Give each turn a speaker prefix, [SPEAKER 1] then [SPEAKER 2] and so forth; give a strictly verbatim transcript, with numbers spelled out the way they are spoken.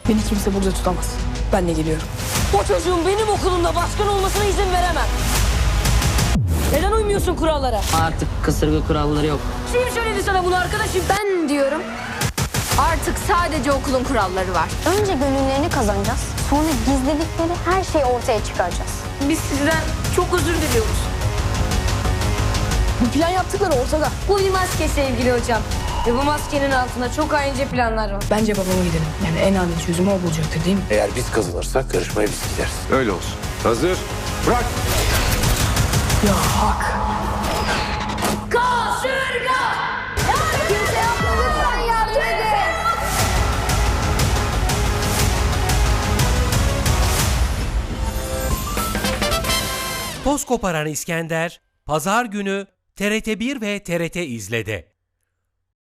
[SPEAKER 1] Beni kimse burada tutamaz. Ben de geliyorum. O çocuğun benim okulumda başkan olmasına izin veremem. Neden uymuyorsun kurallara?
[SPEAKER 2] Artık kasırga kuralları yok.
[SPEAKER 1] Kim söyledi sana bunu arkadaşım?
[SPEAKER 3] Ben diyorum. Artık sadece okulun kuralları var.
[SPEAKER 4] Önce gönüllerini kazanacağız. Sonra gizledikleri her şeyi ortaya çıkaracağız.
[SPEAKER 1] Biz sizden çok özür diliyoruz. Bu plan yaptıkları ortada.
[SPEAKER 3] Bu bir maske sevgili hocam. Ve bu maskenin altında çok haince planlar var.
[SPEAKER 1] Bence babama gidelim. Yani en adil çözümü o bulacaktır değil mi?
[SPEAKER 5] Eğer biz kazanırsak yarışmaya biz gideriz.
[SPEAKER 6] Öyle olsun. Hazır. Bırak.
[SPEAKER 1] Ya hak.
[SPEAKER 4] Kimse yapma lütfen yardım edin.
[SPEAKER 7] Toz koparan İskender, Pazar günü T R T bir ve T R T İzle'de.